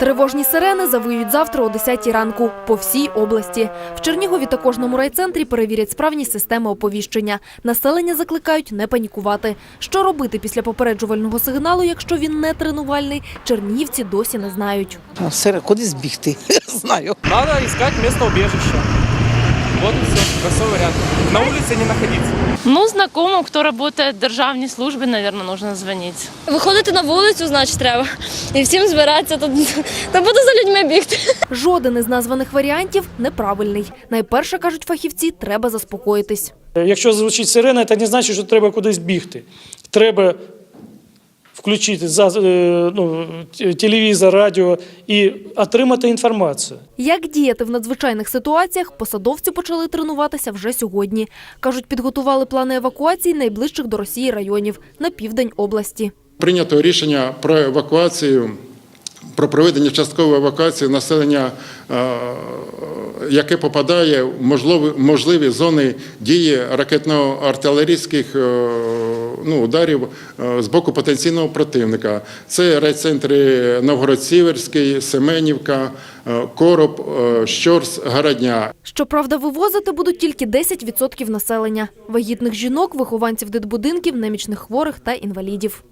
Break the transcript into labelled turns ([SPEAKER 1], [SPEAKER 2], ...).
[SPEAKER 1] Тривожні сирени завиють завтра о 10 ранку по всій області. В Чернігові та кожному райцентрі перевірять справність системи оповіщення. Населення закликають не панікувати. Що робити після попереджувального сигналу, якщо він не тренувальний, чернігівці досі не знають.
[SPEAKER 2] Куди збігти? Знаю.
[SPEAKER 3] Надо искать место убежища. Вот и все. Простой вариант. На улице не находиться.
[SPEAKER 4] Ну, знакомым, кто работает в державній службі, наверное, нужно звонить.
[SPEAKER 5] Виходити на вулицю, значить, треба. І всім збиратися, то буду за людьми бігти.
[SPEAKER 1] Жоден із названих варіантів неправильний. Найперше, кажуть фахівці, треба заспокоїтись.
[SPEAKER 6] Якщо звучить сирена, це не значить, що треба кудись бігти. Треба включити телевізор, радіо і отримати інформацію.
[SPEAKER 1] Як діяти в надзвичайних ситуаціях, посадовці почали тренуватися вже сьогодні. Кажуть, підготували плани евакуації найближчих до Росії районів на південь області.
[SPEAKER 7] Прийнято рішення про евакуацію, про проведення часткової евакуації населення, яке попадає в можливі зони дії ракетно-артилерійських ударів з боку потенційного противника. Це райцентри Новгород-Сіверський, Семенівка, Короб, Щорс, Городня.
[SPEAKER 1] Щоправда, вивозити будуть тільки 10% населення – вагітних жінок, вихованців дитбудинків, немічних хворих та інвалідів.